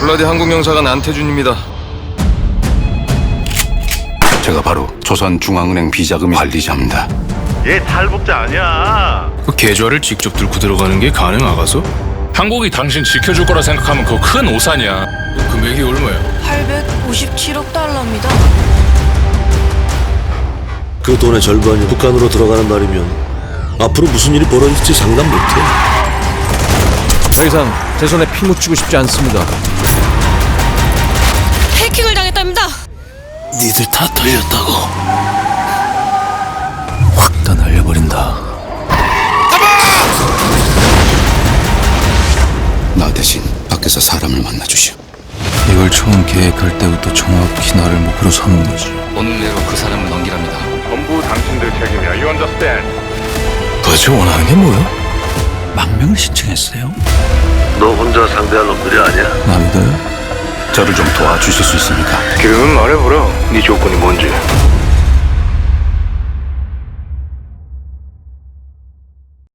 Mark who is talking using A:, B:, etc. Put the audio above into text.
A: 블라디 한국영사관 안태준입니다.
B: 제가 바로 조선중앙은행 비자금 관리자입니다.
C: 얘 탈북자 아니야.
A: 그 계좌를 직접 들고 들어가는 게 가능하가서?
D: 한국이 당신 지켜줄 거라 생각하면 그거 큰 오산이야.
A: 금액이 얼마야?
E: 857억 달러입니다.
F: 그 돈의 절반이 북한으로 들어가는 날이면 앞으로 무슨 일이 벌어질지 상담 못해.
G: 더 이상 제 손에 피 묻히고 싶지 않습니다.
E: 해킹을 당했답니다.
F: 니들 다 털렸다고. 확 다 날려버린다.
B: 나 대신 밖에서 사람을 만나주시오.
G: 이걸 처음 계획할 때부터 정확히 나를 목표로 삼은 거지.
B: 오늘 내로 그 사람을 넘기랍니다.
C: 전부 당신들 책임이야. You understand?
G: 도대체 원하는 게 뭐야? 망명을 신청했어요?
F: 너 혼자 상대할 놈들이 아니야.
G: 나 믿어요?
B: 저를 좀 도와주실 수 있습니까?
C: 지금 말해보라. 네 조건이 뭔지.